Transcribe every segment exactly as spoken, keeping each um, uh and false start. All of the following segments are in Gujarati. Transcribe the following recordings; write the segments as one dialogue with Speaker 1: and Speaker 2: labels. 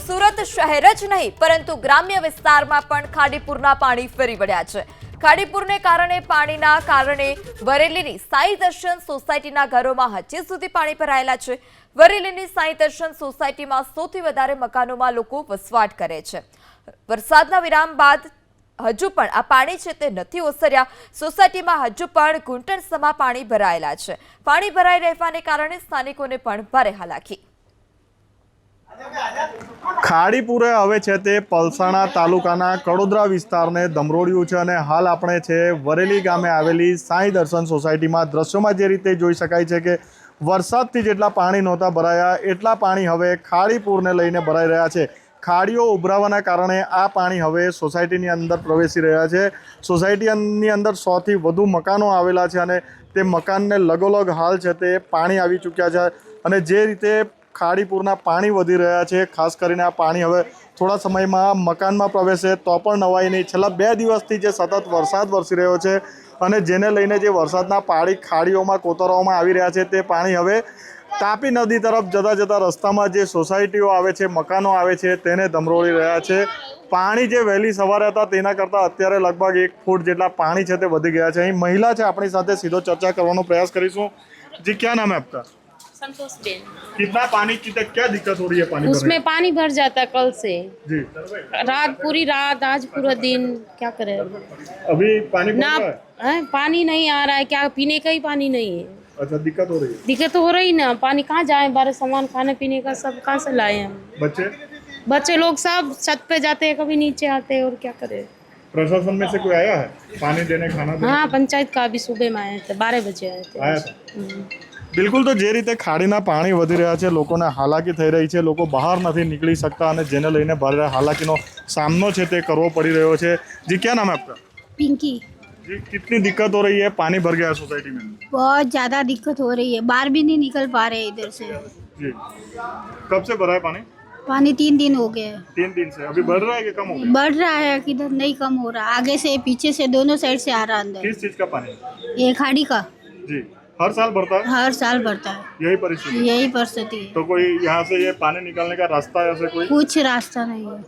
Speaker 1: સુરત શહેર જ નહીં પરંતુ ગ્રામ્ય વિસ્તારમાં પણ ખાડીપુરના પાણી ફરી વળ્યા છે। ખાડીપુરને કારણે પાણીના કારણે વરેલીની સાઈ દર્શન સોસાયટીના ઘરોમાં હજી સુધી પાણી ભરાયેલા છે। વરેલીની સાઈ દર્શન સોસાયટીમાં સૌથી વધારે મકાનોમાં લોકો વસવાટ કરે છે। વરસાદના વિરામ બાદ હજુ પણ આ પાણી છે તે નથી ઓસર્યા। સોસાયટીમાં હજુ પણ ઘૂંટણસમા પાણી ભરાયેલા છે। પાણી ભરાઈ રહેવાને કારણે સ્થાનિકોને પણ ભારે હાલાકી।
Speaker 2: ખાડીપુરે હવે છે તે પલસાણા તાલુકાના કડોદરા વિસ્તારને ધમરોળ્યું છે અને હાલ આપણે છે વરેલી ગામે આવેલી સાઈ દર્શન સોસાયટીમાં દ્રશ્યોમાં જે રીતે જોઈ શકાય છે કે વરસાદથી જેટલા પાણી નહોતા ભરાયા એટલા પાણી હવે ખાડીપુરને લઈને ભરાઈ રહ્યા છે। ખાડીઓ ઉભરાવાના કારણે આ પાણી હવે સોસાયટીની અંદર પ્રવેશી રહ્યા છે। સોસાયટીની અંદર સોથી વધુ મકાનો આવેલા છે અને તે મકાનને લગોલગ હાલ છે તે પાણી આવી ચૂક્યા છે અને જે રીતે ખાડીપુરના પાણી વધી રહ્યા છે ખાસ કરીને આ પાણી હવે થોડા સમયમાં મકાનમાં પ્રવેશે તો પણ નવાઈ નહીં। છેલ્લા બે દિવસથી જે સતત વરસાદ વરસી રહ્યો છે અને જેને લઈને જે વરસાદના પાણી ખાડીઓમાં કોતરવામાં આવી રહ્યા છે તે પાણી હવે તાપી નદી તરફ જતા જતા રસ્તામાં જે સોસાયટીઓ આવે છે મકાનો આવે છે તેને ધમરોળી રહ્યા છે। પાણી જે વહેલી સવારે હતા તેના કરતાં અત્યારે લગભગ એક ફૂટ જેટલા પાણી છે તે વધી ગયા છે। અહીં મહિલા છે આપણી સાથે સીધો ચર્ચા કરવાનો પ્રયાસ કરીશું। જી क्या नाम है आपका?
Speaker 3: संतोष बेन।
Speaker 2: कितना पानी कितना क्या दिक्कत हो रही है पानी
Speaker 3: उसमें पानी भर जाता है कल से
Speaker 2: जी
Speaker 3: रात पूरी रात आज पूरा दिन क्या करे
Speaker 2: अभी पानी
Speaker 3: ना
Speaker 2: भर रहा है?
Speaker 3: है पानी नहीं आ रहा है क्या पीने का ही पानी नहीं है।
Speaker 2: अच्छा दिक्कत हो रही है
Speaker 3: दिक्कत तो हो रही ना पानी कहाँ जाए बारह सामान खाने पीने का सब कहाँ से लाए हम
Speaker 2: बच्चे
Speaker 3: बच्चे लोग सब छत पे जाते हैं कभी नीचे आते हैं और क्या करे।
Speaker 2: प्रशासन में से कोई आया है पानी देने खाना देने?
Speaker 3: हाँ पंचायत का अभी सुबह में आए थे बारह बजे आए थे।
Speaker 2: आया था બિલકુલ તો જે રીતે ખાડીના પાણી વધી રહ્યા છે લોકોને હાલાકી થઈ રહી છે। લોકો બહાર નથી નીકળી શકતા અને જેને લઈને ભારે હાલાકીનો સામનો છે તે કરવો પડી રહ્યો છે। જી क्या नाम है आपका?
Speaker 4: पिंकी।
Speaker 2: जी कितनी दिक्कत हो रही है पानी भर गया है सोसाइटी में?
Speaker 4: बहुत ज़्यादा दिक्कत हो रही है बाहर भी नहीं निकल पा रहे इधर से।
Speaker 2: जी कब से भरा है पानी?
Speaker 4: पानी तीन दिन हो गए।
Speaker 2: तीन दिन से अभी बढ़ रहा है कि कम हो गया?
Speaker 4: बढ़ रहा है किधर नहीं कम हो रहा आगे से पीछे से दोनों साइड से आ रहा अंदर।
Speaker 2: किस चीज का पानी?
Speaker 4: ये खाड़ी का
Speaker 2: जी हर साल भरता है?
Speaker 4: हर साल बढ़ता है
Speaker 2: यही परिस्थिति?
Speaker 4: यही परिस्थिति है।
Speaker 2: तो कोई यहाँ से ये पानी निकालने का रास्ता है ऐसे कोई?
Speaker 4: कुछ रास्ता नहीं है।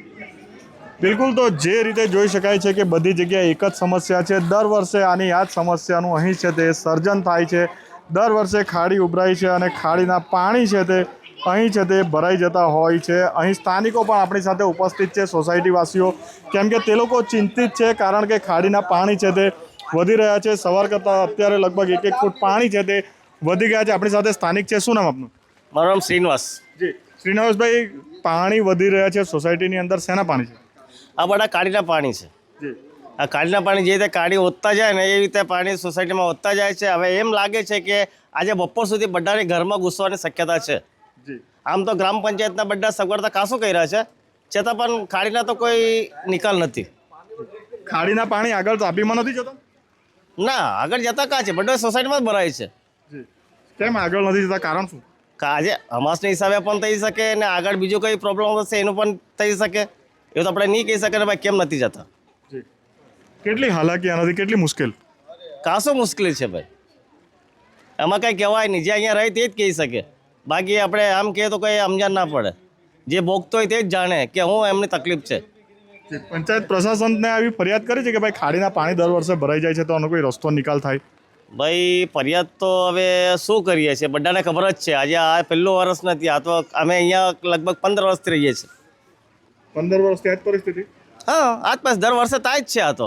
Speaker 2: બિલકુલ તો જે રીતે જોઈ શકાય છે કે બધી જગ્યાએ એક જ સમસ્યા છે। દર વર્ષે આની આ જ સમસ્યાનું અહીં છે તે સર્જન થાય છે। દર વર્ષે ખાડી ઉભરાય છે અને ખાડીના પાણી છે તે અહીં છે તે ભરાઈ જતા હોય છે। અહીં સ્થાનિકો પણ આપણી સાથે ઉપસ્થિત છે સોસાયટીવાસીઓ કેમ કે તે લોકો ચિંતિત છે કારણ કે ખાડીના પાણી છે તે વધી રહ્યા છે। સવાર કરતાં અત્યારે લગભગ એક એક ફૂટ પાણી છે તે વધી ગયા છે। આપણી સાથે સ્થાનિક છે। શું નામ આપનું?
Speaker 5: મારું નામ શ્રીનિવાસ।
Speaker 2: જી શ્રીનિવાસભાઈ પાણી વધી રહ્યા છે સોસાયટીની અંદર શેના પાણી છે?
Speaker 5: આ બધા કાળીના પાણી છે।
Speaker 2: જી
Speaker 5: આ કાળીના પાણી જે રીતે કાળી વધતા જાય ને એ રીતે પાણી સોસાયટીમાં વધતા જાય છે। હવે એમ લાગે છે કે આજે બપોર સુધી બધાને ઘરમાં ઘૂસવાની શક્યતા છે।
Speaker 2: જી
Speaker 5: આમ તો ગ્રામ પંચાયતના બધા સગવડતા કાશું કર્યા છે છતાં પણ ખાડીના તો કોઈ નિકાલ નથી।
Speaker 2: ખાડીના પાણી આગળ તાપીમાં નથી જતા?
Speaker 5: ના આગળ જતા કાં છે બધા સોસાયટીમાં જ ભરાય છે।
Speaker 2: જી કેમ આગળ નથી જતા કારણ શું?
Speaker 5: આજે અમાસના હિસાબે પણ થઈ શકે ને આગળ બીજો કોઈ પ્રોબ્લેમ હશે એનું પણ થઈ શકે। એવું તો આપણે નહીં કહી શકીએ ને ભાઈ કેમ નથી જતા।
Speaker 2: જી કેટલી હાલાકી આનાથી કેટલી મુશ્કેલ?
Speaker 5: કાશું મુશ્કેલી છે ભાઈ એમાં કાંઈ કહેવાય નહીં। જે અહીંયા રહે તે જ કહી શકે બાકી આપણે આમ કહીએ તો કંઈ સમજણ ના પડે। જે ભોગતો હોય તે જ જાણે કે હું એમની તકલીફ છે।
Speaker 2: પંચાયત પ્રશાસનને આવી ફરિયાદ કરી છે કે ભાઈ ખાડીના પાણી દર વર્ષે ભરાઈ જાય છે તો આનો કોઈ રસ્તો નિકાલ થાય?
Speaker 5: ભાઈ ફરિયાદ તો હવે શું કરીએ છીએ બધાને ખબર જ છે। આજે આ પહેલું વર્ષ નથી આ તો અમે અહીંયા લગભગ પંદર વર્ષથી રહીએ છીએ।
Speaker 2: પંદર વર્ષથી આ જ પરિસ્થિતિ?
Speaker 5: હા આજ પાસ દર વર્ષે થાય જ છે આ તો।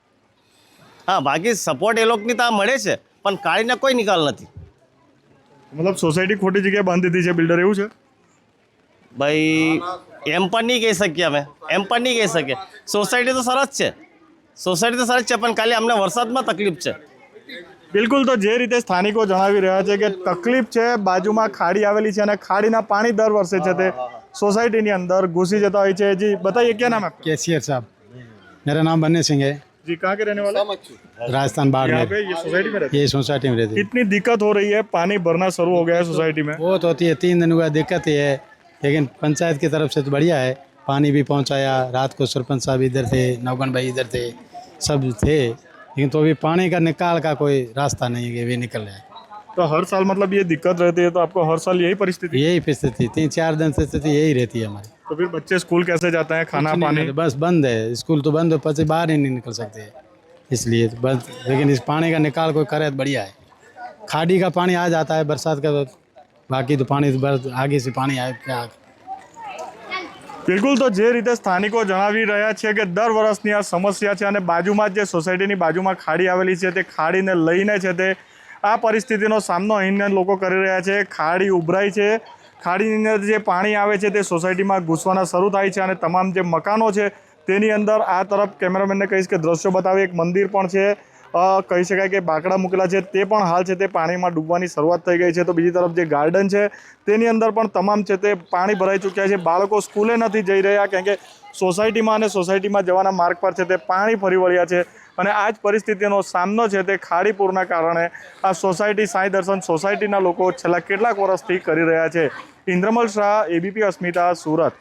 Speaker 5: હા બાકી સપોર્ટ એ લોકોની તો આ મળે છે પણ કાળીને કોઈ નિકાલ નથી।
Speaker 2: મતલબ સોસાયટી ખોટી જગ્યાએ બાંધી દીધી છે બિલ્ડર એવું છે?
Speaker 5: ભાઈ એમ પણ નહીં કહી શકીએ અમે એમ પણ નહીં કહી શકીએ। સોસાયટી તો સરસ છે સોસાયટી તો સરસ છે પણ ખાલી અમને વરસાદમાં તકલીફ છે।
Speaker 2: બિલકુલ તો જે રીતે સ્થાનિકો જણાવી રહ્યા છે કે તકલીફ છે બાજુમાં ખાડી આવેલી છે અને ખાડીના પાણી દર વર્ષે છે તે सोसाइटी अंदर घुसी जाता है। जी बताइए क्या नाम है?
Speaker 6: कैशियर साहब। मेरा नाम बन्ने सिंह है।
Speaker 2: जी कहाँ के रहने वाले?
Speaker 6: राजस्थान बाड़मेर।
Speaker 2: पे ये सोसाइटी में रहते?
Speaker 6: ये सोसाइटी में रहते।
Speaker 2: कितनी दिक्कत हो रही है? पानी भरना शुरू हो गया है सोसाइटी में?
Speaker 6: बहुत होती है तीन दिन हुआ दिक्कत ही है लेकिन पंचायत की तरफ से तो बढ़िया है पानी भी पहुंचाया। रात को सरपंच साहब इधर थे नवगन भाई इधर थे सब थे लेकिन तो अभी पानी का निकाल का कोई रास्ता नहीं है कि भी निकल जाए।
Speaker 2: तो हर साल मतलब ये दिक्कत रहती है, तो आपको हर साल यही परिस्थिति?
Speaker 6: यही स्थिति तीन चार दिन से स्थिति यही रहती है हमारी।
Speaker 2: तो फिर बच्चे स्कूल कैसे जाते हैं, खाना
Speaker 6: कुछ नहीं
Speaker 2: पानी?
Speaker 6: मिलता, बस बंद है, स्कूल तो बंद है, बच्चे बाहर ही नहीं निकल सकते हैं, इसलिए तो बस। लेकिन इस पानी का निकाल कोई करे तो बढ़िया है। खाड़ी का पानी आ जाता है बरसात का, तो बाकी तो पानी तो बस आगे से पानी आए क्या।
Speaker 2: બિલકુલ, તો જે રીતે સ્થાનિકો જણાવી રહ્યા છે કે દર વર્ષની આ સમસ્યા છે અને બાજુમાં જ જે સોસાયટીની બાજુમાં ખાડી આવેલી છે તે ખાડીને લઈને છે તે આ પરિસ્થિતિનો સામનો અહીંના લોકો કરી રહ્યા છે। ખાડી ઉભરાઈ છે, ખાડીની અંદર જે પાણી આવે છે તે સોસાયટીમાં ઘૂસવાના શરૂ થાય છે અને તમામ જે મકાનો છે તેની અંદર આ તરફ કેમેરામેનને કહીશ કે દ્રશ્યો બતાવે, એક મંદિર પણ છે, કહી શકાય કે બાકડા મૂકેલા છે તે પણ હાલ છે તે પાણીમાં ડૂબવાની શરૂઆત થઈ ગઈ છે। તો બીજી તરફ જે ગાર્ડન છે તેની અંદર પણ તમામ છે તે પાણી ભરાઈ ચૂક્યા છે। બાળકો સ્કૂલે નથી જઈ રહ્યા કારણ કે સોસાયટીમાં અને સોસાયટીમાં જવાના માર્ગ પર છે તે પાણી ફરી વળ્યા છે અને આ જ પરિસ્થિતિનો સામનો છે તે ખાડીપુરના કારણે આ સોસાયટી સાંઈ દર્શન સોસાયટીના લોકો છેલ્લા કેટલાક વર્ષથી કરી રહ્યા છે। ઇન્દ્રમલ શાહ, એબીપી અસ્મિતા, સુરત।